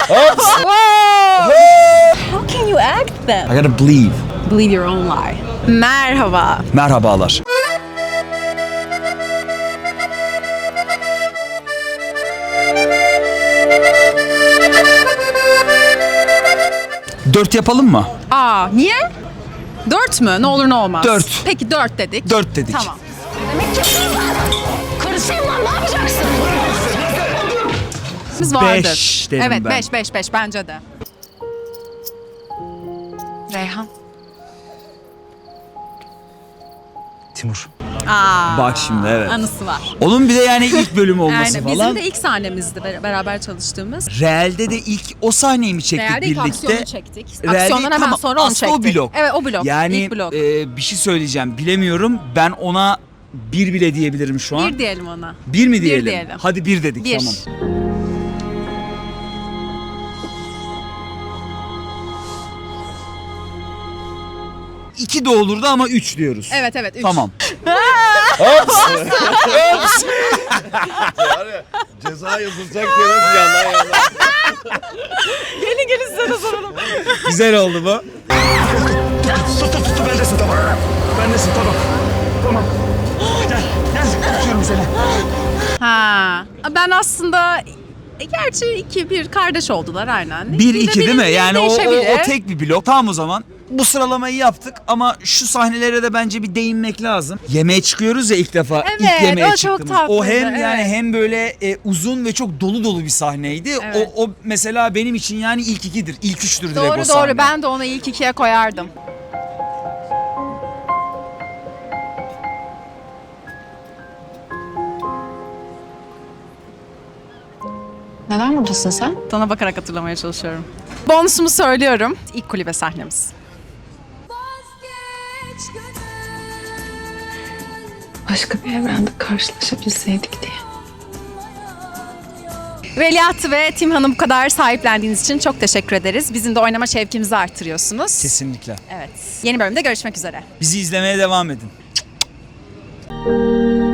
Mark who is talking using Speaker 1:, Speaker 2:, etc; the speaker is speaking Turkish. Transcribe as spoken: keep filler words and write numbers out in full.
Speaker 1: How can you act then?
Speaker 2: I gotta believe.
Speaker 1: Believe your own lie. Merhaba.
Speaker 2: Merhabalar. Dört yapalım mı?
Speaker 1: Aa, niye? Dört mü? Ne olur ne olmaz.
Speaker 2: Dört.
Speaker 1: Peki dört dedik.
Speaker 2: Dört dedik.
Speaker 1: Tamam.
Speaker 3: Karısıyım lan, ne yapacaksın?
Speaker 1: Biz vardır.
Speaker 2: Beş derim
Speaker 1: evet,
Speaker 2: ben.
Speaker 1: beş, beş, beş bence de. Reyhan.
Speaker 4: Timur.
Speaker 1: Aa,
Speaker 2: Bak şimdi, evet.
Speaker 1: Anısı var.
Speaker 2: Onun bir de yani ilk bölüm olması
Speaker 1: Aynen.
Speaker 2: falan.
Speaker 1: Bizim de ilk sahnemizdi ber- beraber çalıştığımız.
Speaker 2: Realde de ilk o sahneyi mi çektik
Speaker 1: Realde ilk
Speaker 2: birlikte?
Speaker 1: aksiyonu çektik.
Speaker 2: Realde-
Speaker 1: Aksiyondan hemen
Speaker 2: tamam,
Speaker 1: sonra onu
Speaker 2: aslında
Speaker 1: çektik.
Speaker 2: o blok.
Speaker 1: Evet, o blok.
Speaker 2: Yani
Speaker 1: İlk blok.
Speaker 2: e, bir şey söyleyeceğim, bilemiyorum. Ben ona bir bile diyebilirim şu an.
Speaker 1: Bir diyelim ona.
Speaker 2: Bir mi diyelim?
Speaker 1: diyelim.
Speaker 2: Hadi bir dedik,
Speaker 1: Bir.
Speaker 2: tamam. İki de olurdu ama üç diyoruz.
Speaker 1: Evet, evet. Üç.
Speaker 2: Tamam.
Speaker 5: Ceza yazılacak diye nasıl yandan yandan.
Speaker 1: Gelin gelin size de soralım.
Speaker 2: Güzel oldu bu.
Speaker 4: Tut tut tut bendesin tamam. Bendesin tamam. Tamam. Gel gel tutuyorum seni.
Speaker 1: Ha. Ben aslında e, gerçi iki bir kardeş oldular aynen.
Speaker 2: Bir
Speaker 1: de
Speaker 2: iki değil mi?
Speaker 1: benim
Speaker 2: Yani o, o,
Speaker 1: değişebilir.
Speaker 2: o tek bir blok. Tamam o zaman. Bu sıralamayı yaptık ama şu sahnelere de bence bir değinmek lazım. Yemeğe çıkıyoruz ya ilk defa.
Speaker 1: Evet,
Speaker 2: ilk yemeğe
Speaker 1: o çok
Speaker 2: çıktığımız.
Speaker 1: tatlıydı,
Speaker 2: O hem yani
Speaker 1: evet.
Speaker 2: hem böyle e, uzun ve çok dolu dolu bir sahneydi.
Speaker 1: Evet.
Speaker 2: O, o mesela benim için yani ilk ikidir. İlk üçtür direkt
Speaker 1: Doğru
Speaker 2: o
Speaker 1: doğru
Speaker 2: sahne.
Speaker 1: ben de onu ilk ikiye koyardım.
Speaker 3: Neden buradasın sen?
Speaker 1: Sana bakarak hatırlamaya çalışıyorum. Bonusumu söylüyorum. İlk kulübe sahnemiz.
Speaker 3: Başka bir evrende karşılaşabilseydik diye.
Speaker 1: Veliahtı ve Timhan'ı bu kadar sahiplendiğiniz için çok teşekkür ederiz. Bizim de oynama şevkimizi artırıyorsunuz.
Speaker 2: Kesinlikle.
Speaker 1: Evet. Yeni bölümde görüşmek üzere.
Speaker 2: Bizi izlemeye devam edin.